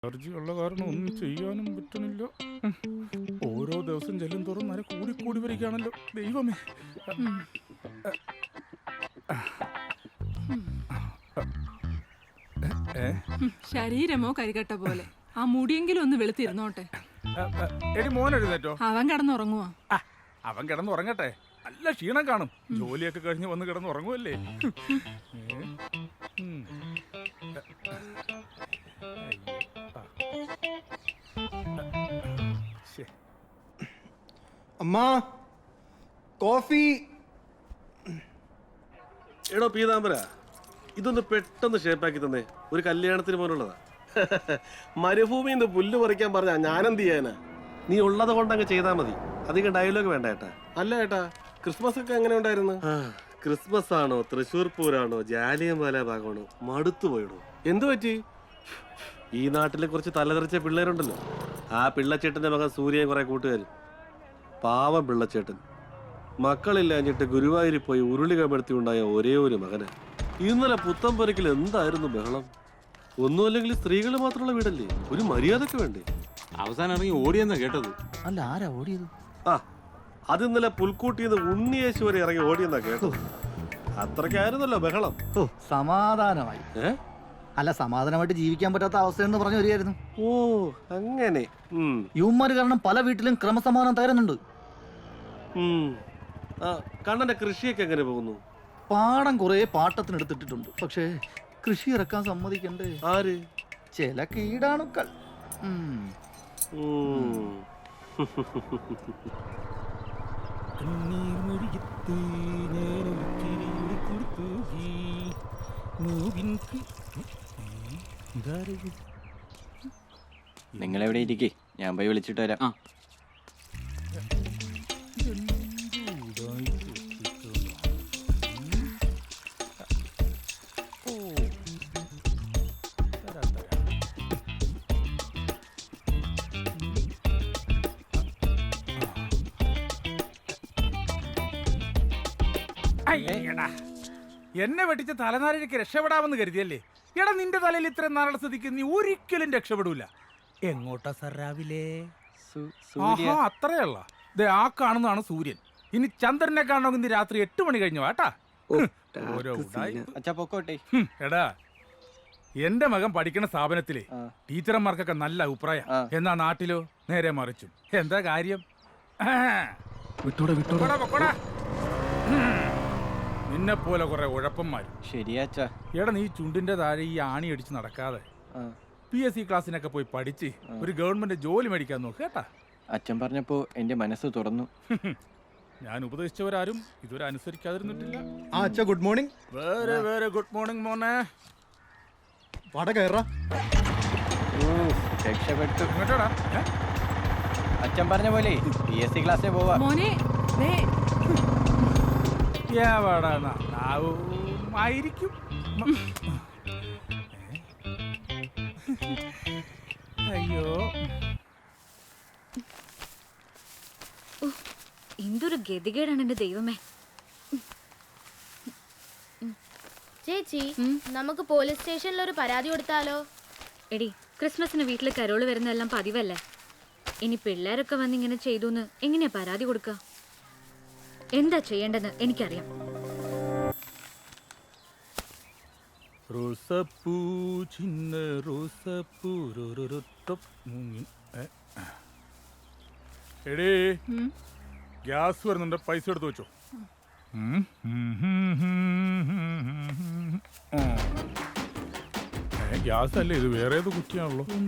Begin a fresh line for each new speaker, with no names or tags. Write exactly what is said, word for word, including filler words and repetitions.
Allergy ഉള്ള കാരണം ഒന്നും ചെയ്യാനും പറ്റുന്നില്ല. ഓരോ ദിവസം ചെല്ലും തോറും നര കൂടി കൂടി വരികയാണല്ലോ ദൈവമേ.
ശരീരമോ കരികട്ട പോലെ ആ മുടിയെങ്കിലും ഒന്ന് വെളുത്തിരുന്നോട്ടെ.
എടി മോൻ എഴുന്നേറ്റോ?
അവൻ കിടന്നുറങ്ങുവാ.
അവൻ കിടന്നുറങ്ങട്ടെ, നല്ല ക്ഷീണം കാണും. ജോലിയൊക്കെ കഴിഞ്ഞ് വന്ന് കിടന്നുറങ്ങുമല്ലേ.
അമ്മാ കോഫി.
എടോ പീതാംബര, ഇതൊന്ന് പെട്ടെന്ന് ഷേപ്പാക്കി തന്നെ. ഒരു കല്യാണത്തിന് പോലുള്ളതാ. മരുഭൂമിയിൽ നിന്ന് പുല്ല് പറിക്കാൻ പറഞ്ഞാ ഞാനെന്ത് ചെയ്യാനാ? നീ ഉള്ളത് കൊണ്ട് അങ്ങ് ചെയ്താൽ മതി. അധികം ഡയലോഗ് വേണ്ട ഏട്ടാ. അല്ല ഏട്ടാ, ക്രിസ്മസ് ഒക്കെ എങ്ങനെ ഉണ്ടായിരുന്നു? ക്രിസ്മസ് ആണോ, തൃശ്ശൂർ പൂരാണോ, ജാലിയൻവാല ഭാഗമാണോ, മടുത്തു പോയിടോ. എന്തു പറ്റി? ഈ നാട്ടിലെ കുറച്ച് തലതെറിച്ച പിള്ളേരുണ്ടല്ലോ, ആ പിള്ളച്ചേട്ടന്റെ മകൻ സൂര്യൻ കുറെ കൂട്ടുകാർ. പാവം പിള്ളച്ചേട്ടൻ മക്കളില്ലാഞ്ഞിട്ട് ഗുരുവായൂരിൽ പോയി ഉരുളി കമഴ്ത്തി ഉണ്ടായ ഒരേ ഒരു മകന്. ഇന്നലെ പുത്തമ്പുരക്കിൽ എന്തായിരുന്നു ബഹളം. ഒന്നുമല്ലെങ്കിൽ സ്ത്രീകൾ മാത്രമുള്ള വീടല്ലേ, ഒരു മര്യാദക്ക് വേണ്ടേ?
അവസാനം ഇറങ്ങി ഓടിയെന്നാ കേട്ടത്.
അല്ല, ആരാ ഓടിയത്?
ആ, അത് ഇന്നലെ പുൽക്കൂട്ടിന്ന് ഉണ്ണിയേശു വരെ ഇറങ്ങി ഓടിയെന്നാ കേട്ടത്. അത്രയ്ക്കായിരുന്നല്ലോ ബഹളം.
ഓ, സമാധാനമായി.
ഏ
അല്ല, സമാധാനമായിട്ട് ജീവിക്കാൻ പറ്റാത്ത അവസ്ഥയെന്ന് പറഞ്ഞു വരികയായിരുന്നു.
ഓ അങ്ങനെ.
യുവന്മാര് കാരണം പല വീട്ടിലും ക്രമസമാധാനം തകരുന്നുണ്ട്.
കണ്ണന്റെ കൃഷിയൊക്കെ എങ്ങനെ പോകുന്നു?
പാടം കുറെ പാട്ടത്തിനെടുത്തിട്ടിട്ടുണ്ട്. പക്ഷേ കൃഷി ഇറക്കാൻ സമ്മതിക്കണ്ടേ?
ആര്?
ചില കീടാണുക്കൾ.
നിങ്ങളെവിടെ ഇരിക്കേ, ഞാൻ പോയി വിളിച്ചിട്ട് വരാം.
എന്നെ വെട്ടിച്ച് തലനാരിഴയ്ക്ക് രക്ഷപ്പെടാമെന്ന് കരുതിയല്ലേ? എടാ, നിന്റെ തലയിൽ ഇത്രയും നാളെ സ്ഥിതിക്ക് നീ ഒരിക്കലും രക്ഷപ്പെടൂല. എങ്ങോട്ടാ സർ രാവിലെ? ആഹാ, അത്രയല്ല. ദേ ആ കാണുന്നതാണ് സൂര്യൻ. ഇനി ചന്ദ്രനെ കാണണമെങ്കിൽ ഇന്ന് രാത്രി എട്ട് മണി കഴിഞ്ഞു വാട്ടാ. ഓരോ
പൊക്കോട്ടെ.
എടാ, എന്റെ മകൻ പഠിക്കുന്ന സ്ഥാപനത്തിലെ ടീച്ചർമാർക്കൊക്കെ നല്ല അഭിപ്രായം. എന്നാ നാട്ടിലോ നേരെ മറിച്ചും. എന്താ കാര്യം? നിന്നെ പോലെ കുറെ ഉഴപ്പന്മാരും.
ശരിയാച്ചാ.
എടാ, നീ ചുണ്ടിന്റെ താഴെ ഈ ആണി അടിച്ച് നടക്കാതെ പി എസ് സി ക്ലാസ്സിനൊക്കെ പോയി പഠിച്ച് ഒരു ഗവൺമെന്റ് ജോലി മേടിക്കാൻ നോക്ക് കേട്ടാ.
അച്ഛൻ പറഞ്ഞപ്പോ എന്റെ മനസ്സ് തുറന്നു.
ഞാൻ ഉപദേശിച്ചവരാരും ഇതുവരെ അനുസരിക്കാതിരുന്നിട്ടില്ല.
ആ അച്ഛാ, ഗുഡ് മോർണിംഗ്.
വേറെ വേറെ ഗുഡ് മോർണിംഗ് മോനെ.
വട കയറാ.
രക്ഷപ്പെട്ടു.
ഇങ്ങോട്ടാടാ.
അച്ഛൻ പറഞ്ഞ പോലെ പി എസ് സി ക്ലാസ്സിൽ പോവാ.
മോനെ ദേ
ആയിരിക്കും. അയ്യോ,
എന്തൊരു ഗതികേടാണ് എന്റെ ദൈവമേ.
ചേച്ചി, നമുക്ക് പോലീസ് സ്റ്റേഷനിൽ ഒരു പരാതി കൊടുത്താലോ?
എടി, ക്രിസ്മസിന് വീട്ടിൽ കരോള് വരുന്നതെല്ലാം പതിവല്ലേ. ഇനി പിള്ളേരൊക്കെ വന്ന് ഇങ്ങനെ ചെയ്തുന്ന് എങ്ങനെയാ പരാതി കൊടുക്കുക? എന്താ ചെയ്യേണ്ടെന്ന് എനിക്കറിയാം.
റോസപ്പൂ ചിന്ന റോസപ്പൂ. എടേ, ഗ്യാസ് വരുന്നുണ്ട്, പൈസ എടുത്ത് വെച്ചോ. ഗ്യാസ് അല്ലേ ഇത്, വേറെ ഏത് കുറ്റിയാണല്ലോ.